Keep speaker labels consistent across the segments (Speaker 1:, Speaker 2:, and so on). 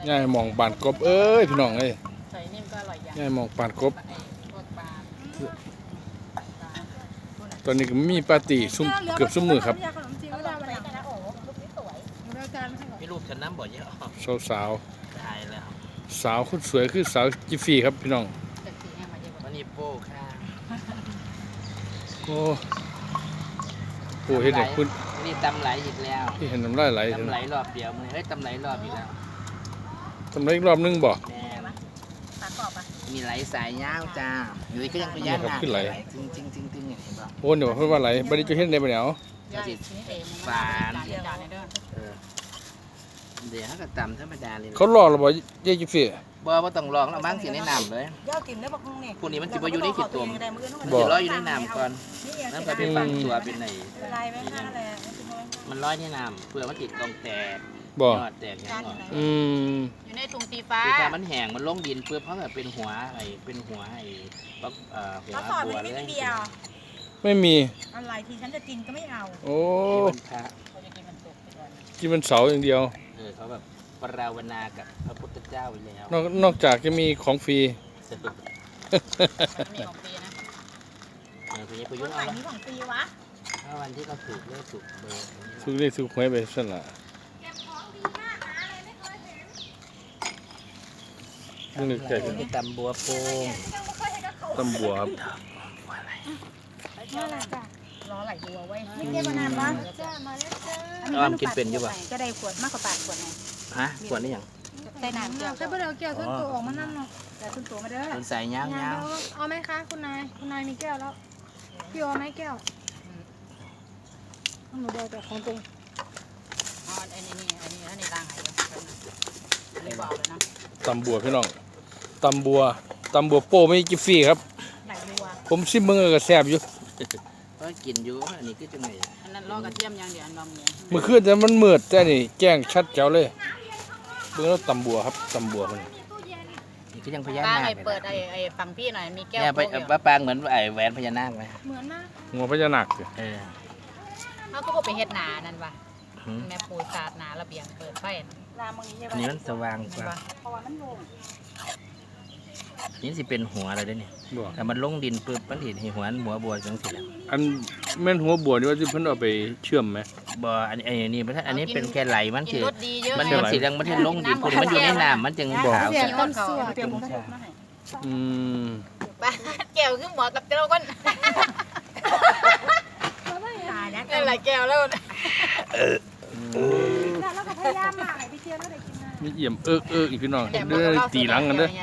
Speaker 1: ย่ายมองปานกบเอ้ยพี่น้องเอ้ย
Speaker 2: ใส่นิ่มก็อร่อยอย่าง
Speaker 1: ย่ายมองปานกบตอนนี้ก็มีปาร์ตี้เกือบซุ่มมือครับ
Speaker 3: มีรูปฉันน้ำบ่อยเยอะ
Speaker 1: สาว
Speaker 3: ตายแล้ว
Speaker 1: สาวคนสวยคือสาวจิฟฟี่ครับพี่น้อง
Speaker 3: วันนี้โป้ค่ะ
Speaker 1: โอ้โหเห็นไหมคุณ
Speaker 3: นี่ตำไหลอีกแล้ว
Speaker 1: ที่เห็นน้ำลายไหล
Speaker 3: ตำไหลรอบเดียวมึงเฮ้ยตำไหลรอบอีกแล้ว
Speaker 1: ทำไรอีกรอบนึงบ่
Speaker 3: มีไหลสายยาวจ้าอยู่ก็ยังพยานหนักจริงจริงจริงจริงเห็นป่ะ
Speaker 1: โอ้เดี๋ยวเพิ่นว่าไหลบัดนี้จะเห็นได้บ่เนี่ย
Speaker 3: ฝานเดี๋ยวเขาก็ตำธรรมดาเลย
Speaker 1: เขารอเราบ่ยายจิฟฟี่
Speaker 3: บ่ต้องลองแล้วมั้งสิในน้ำเลยพวกนี้มันจะมาอยู่ในขีดตัวมันจะลอยอยู่ในน้ำก่อนนั่นก็เป็นฝังตัวเป็นไหนมันลอยในน้ำเพื่อมันติดกองแตก
Speaker 1: บ่
Speaker 3: แตกอย่างเงี้ย
Speaker 2: อยู่ในถุงสีฟ้า
Speaker 3: ถ้ามันแห้งมันลงดินเพื่อเพราะแบบเป็นหัวไอ้หัวบัวเลย
Speaker 1: ไม่มี
Speaker 4: อะไรที่ฉันจะกินก็ไม่เอา
Speaker 1: โอ้
Speaker 3: กิน
Speaker 1: มันเสาอย่างเดียว
Speaker 3: เขาแบบปรารณากับพระพุทธเจ้าไปแล้ว
Speaker 1: นอกจากจะมีของฟรี
Speaker 2: มีของฟรีนะ
Speaker 4: คนไหนมีของฟรีวะ
Speaker 3: ถ้าวันที่เขาถูกเลขถูกเบอร์
Speaker 1: ถูกเลขถูกหวยไปสั่นล่ะ
Speaker 3: นี่เกิดที่ตำบัวโป่ง
Speaker 1: ตำบัวครับ
Speaker 4: รอไหลบัวไว้ไม่เก็บมานานวะ
Speaker 3: อ้อมกินเป็นอยู่ป่ะ
Speaker 4: จะได้ขวดมากกว่า8ขวดไง
Speaker 3: ฮะขวดนี่ยัง
Speaker 4: ใส่น้ำเกลือใส่เบอร์เกลือขึ้นตัวออกมานั่นเนาะแต่ขึ้นตัวมาเด้อ
Speaker 3: คุณใส่ยาว
Speaker 4: เอาไหมคะคุณนายมีแก้วแล้วพี่เอาไหมแก้วหนูเดียวแต่ของตัว
Speaker 2: อ๋ออันนี้ล้างให้อันนี้บอกเลยนะ
Speaker 1: ตำบัวพี่น้องตำบัวโป้ไม่จิฟฟี่ครับผมซิมเบิ่งก็แซ่บอยู่
Speaker 3: ก็กินอยู่อันนี้คือจังไง
Speaker 2: อันนั้นลอกกระเทียมอย่างเดียวอันนมเนี่ย
Speaker 1: เมื่อคืนแต่มันมืดแต่นี่แจ้งชัดแจ๋วเลยเบิ่งแล้วตำบัวครับตำบัวมัน
Speaker 3: นี่ก็ยังพญานาค
Speaker 2: เปิดไอ้ฝั่งพี่หน่อยมีแก้ว
Speaker 3: ปางเหมือนไอ้แหวนพญานาคไหม
Speaker 4: เหมือนนะ
Speaker 1: งัวพญานาค
Speaker 2: เขาก็ไปเฮ็ดหนานั่นว่ะแม่ปูสาดหนาระเบียงเปิดไฟ
Speaker 3: อันนี้มันสว่างกว่านี่สิเป็นหัวอะไรด้วยเนี่ยแต่มันลงดินปุ๊บมันเห็นหัวบัวจังสิ
Speaker 1: อันแม่นหัวบัวนี่ว่าที่เพิ่นเอาไปเชื่อมไหม
Speaker 3: บ่อันนี้เป็นแค่ไหลมันคือมันสีแดงมันเห็นลงดินปุ๊บมันอยู่ในน้ำมันจึงขาว
Speaker 2: แก้วคือหมอกับเจ้าก้นอะไรแก้วแล้ว
Speaker 4: แล้วก็พยายามมาพี่เชียร์แล้วได้กินนะ
Speaker 1: มีเอี่ยมอีกพี่น้องเด้อตีหลังกันเด้อ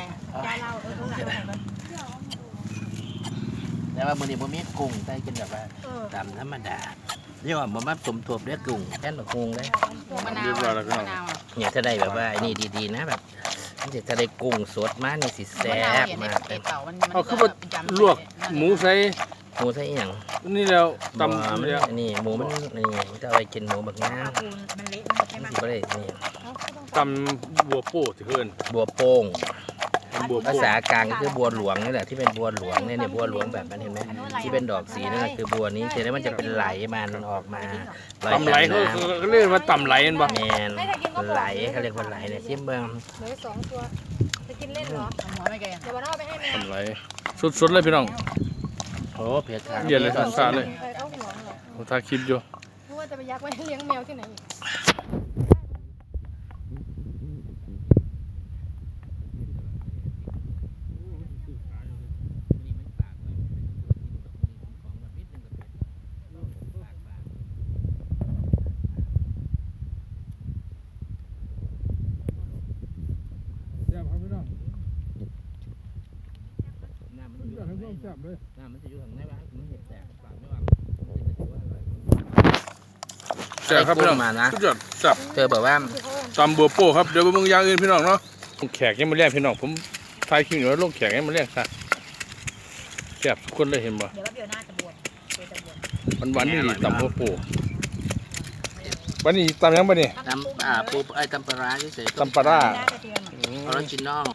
Speaker 3: แต่ว่ามื้อนี้บ่มีกุ้งได้กินแบบว่าตามธรรมดาเรียกว่าบ่มาสมทบด้วยกุ้งแค่นกุ้งเลย
Speaker 1: เรียบร้อยแล้วพี่น้อง
Speaker 3: เนี่ยถ้าได้แบบว่าไอ้นี่ดีๆนะแบบถ้าได้กุ้งสดมานี่สิแซ่บมาก
Speaker 1: เอาคือว่าลวกหมูใส่
Speaker 3: อย่าง
Speaker 1: นี่แล้วตำ
Speaker 3: นี่หมูมันนี่จะเอาไปกินหมูแบบนี้
Speaker 4: มันเละใช่ไหม
Speaker 3: ก็ได้นี่
Speaker 1: ตำบัวโป้ที่เพิ่น
Speaker 3: บัวโป่งภาษากลางก็คือบัวหลวงนี่แหละที่เป็นบัวหลวงเนี่ยบัวหลวงแบบนั้นเห็นไหมที่เป็นดอกสีนั่นคือบัวนี้แต่แล้วมันจะเป็นไหลมันออกมา
Speaker 1: ตำไหลเขาเรียกว่าตำไหลกันบ่
Speaker 3: แมนไหลเขาเรียกว่าไหลเนี่ยชิมเบิ้ง
Speaker 4: เหลือ2ตัวจะกินเล่นเหรอ
Speaker 2: หัวไม่แก่
Speaker 4: เดี๋ยววันเอาไปให้แม่
Speaker 1: ตำไหลสดๆเลยพี่น้อง
Speaker 3: โอ้เผ็ดค่ะ
Speaker 1: เย็นเลยสาเลยผมถ่ายคลิปอยู่
Speaker 4: เพราะว่าจะไปยักไว้เลี้ยงแมวที่ไหน
Speaker 3: มันจะอยู่ข้างในบ้านมันเห็ดแตกปากไม่ออก
Speaker 1: แซ่บครับพี่น้องสุดยอดแซ่บ
Speaker 3: เธอบอกว่า
Speaker 1: ตำบัวโป้ครับเดี๋ยวไปเบิ่งอย่างอื่นพี่น้องเนาะแขกยังมาเลี้ยงพี่น้องผมถ่ายคลิปอยู่แล้วลงแขกยังมาเลี้ยงซะแซ่บทุกคนเลยเห็นบ่
Speaker 4: เดี๋ยวน่าจะบวช
Speaker 1: วันนี้ตำบัวโป้วันนี้ตำยังบ่นี่
Speaker 3: ตำปูตำปลาร้าเฉย
Speaker 1: ตำปลาร้า
Speaker 3: ออริจินอล